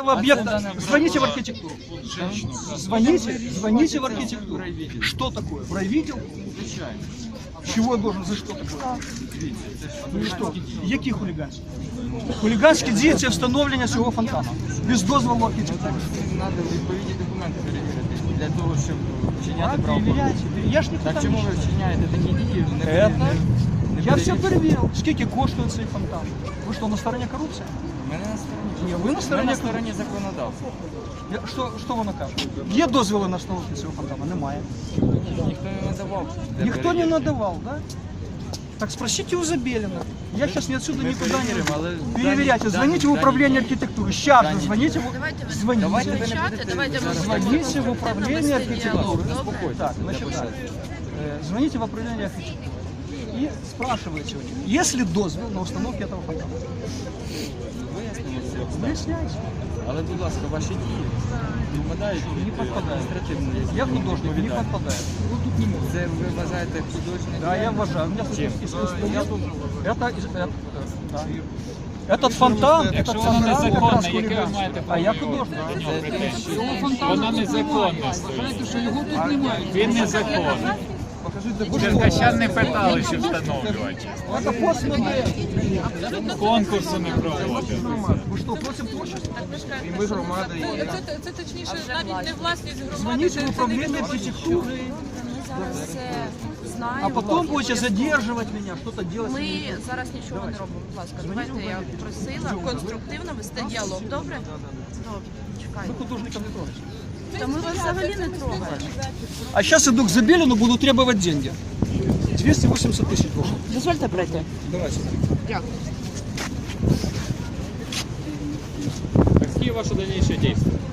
этого объекта, звоните в архитектуру. Звоните в архитектуру. Что такое? В райвідділ? Чего я должен, за что такое? Ну и что? Які хуліганські? Хуліганські дії – це встановлення цього фонтану. Без дозволу архітектури. Треба відповідні документи перевірити, для того, щоб вчиняти правопорушення. Я ж не Так чому ви вчиняєте такі дії? Я все перевірив. Скільки коштує цей фонтан? Ви що, на стороні корупції? Мене на стороні. Ні, ви на стороні законодавства. Що ви накажете? Є дозволи на встановлення цього фонтану? Немає. Ніхто не надавав. Никто не надавал, да? Так спросите у Забелина. Я сейчас отсюда никуда не переверяйте. Звоните в управление архитектуры. Сейчас же звоните звоните в управление архитектуры. Так, значит, звоните в управление архитектуры и спрашивайте у них, есть ли дозвол на установку этого фонтана. Выясняйте. Але, будь ласка, ваші дії підпадають Не подпадает. адміністративної. Я художник, не подпадает. Ну тут не может. Це ви вважаєте художник? Да, я уважаю. У меня Этот фонтан, Якщо воно незаконне, яке ви хулиганство. маєте А я художник. Воно незаконне стоїть. Він незаконний. Черкащан не питали, що встановлювати. Это постмодель. Конкурсу не проводили. Ви що, просимо творчості? Ми громада. Це точніше, навіть не власність громади. Звоните в управление архитектуры, Зараз все знаємо. а потом будете задерживать меня, что-то делать. Ми зараз нічого не робимо. Будь ласка, давайте я просила конструктивно вести діалог. Добре? Добре, чекайте. Вы художников не трогаете. Та ми вас взагалі не трогаємо. А сейчас иду к Забелину, буду требовать деньги. 280 тысяч должен. Дозвольте пройти. Давайте. Дякую. Какие ваши дальнейшие действия?